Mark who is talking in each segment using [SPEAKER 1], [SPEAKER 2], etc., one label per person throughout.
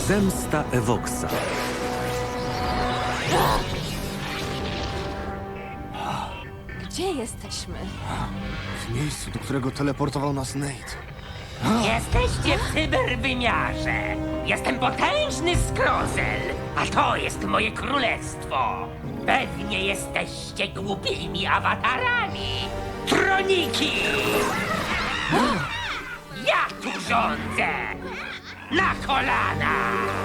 [SPEAKER 1] Zemsta Evoxa.
[SPEAKER 2] Gdzie jesteśmy?
[SPEAKER 3] W miejscu, do którego teleportował nas Nate.
[SPEAKER 4] Jesteście w cyberwymiarze. Jestem potężny Skrozel, a to jest moje królestwo. Pewnie jesteście głupimi awatarami. Troniki! Ja tu rządzę! Na kolana!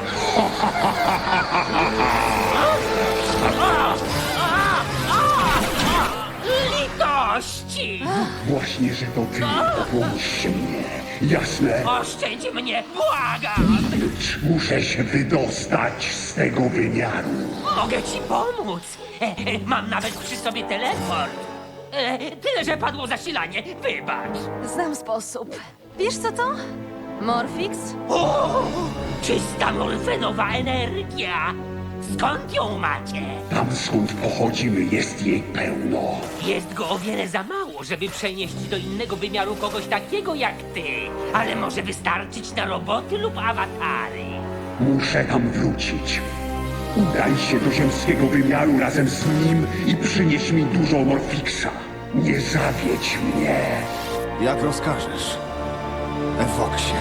[SPEAKER 4] Litości!
[SPEAKER 5] Właśnie, że to ty obłądzisz mnie. Jasne?
[SPEAKER 4] Oszczędź mnie, błagam!
[SPEAKER 5] Muszę się wydostać z tego wymiaru.
[SPEAKER 4] Mogę ci pomóc. Mam nawet przy sobie teleport. Tyle, że padło zasilanie. Wybacz.
[SPEAKER 2] Znam sposób. Wiesz co to? Morfix?
[SPEAKER 4] O, czysta morfenowa energia. Skąd ją macie?
[SPEAKER 5] Tam skąd pochodzimy jest jej pełno.
[SPEAKER 4] Jest go o wiele za mało, żeby przenieść do innego wymiaru kogoś takiego jak ty. Ale może wystarczyć na roboty lub awatary.
[SPEAKER 5] Muszę tam wrócić. Udaj się do ziemskiego wymiaru razem z nim i przynieś mi dużo Morfixa. Nie zawiedź mnie.
[SPEAKER 3] Jak rozkażesz, Evoxie.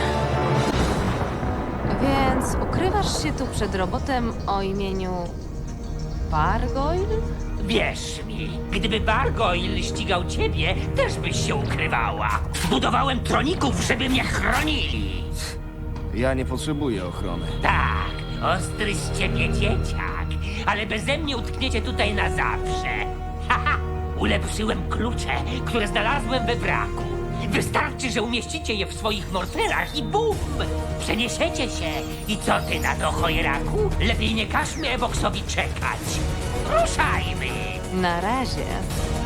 [SPEAKER 2] Więc ukrywasz się tu przed robotem o imieniu... Bargoyle?
[SPEAKER 4] Wierz mi, gdyby Bargoyle ścigał ciebie, też byś się ukrywała. Zbudowałem troników, żeby mnie chronili.
[SPEAKER 3] Ja nie potrzebuję ochrony.
[SPEAKER 4] Tak, ostry z ciebie dzieciak, ale beze mnie utkniecie tutaj na zawsze. Haha, ulepszyłem klucze, które znalazłem we wraku. Wystarczy, że umieścicie je w swoich morferach i bum! Przeniesiecie się. I co ty na to, chojeraku? Lepiej nie każmy Evoxowi czekać. Ruszajmy!
[SPEAKER 2] Na razie.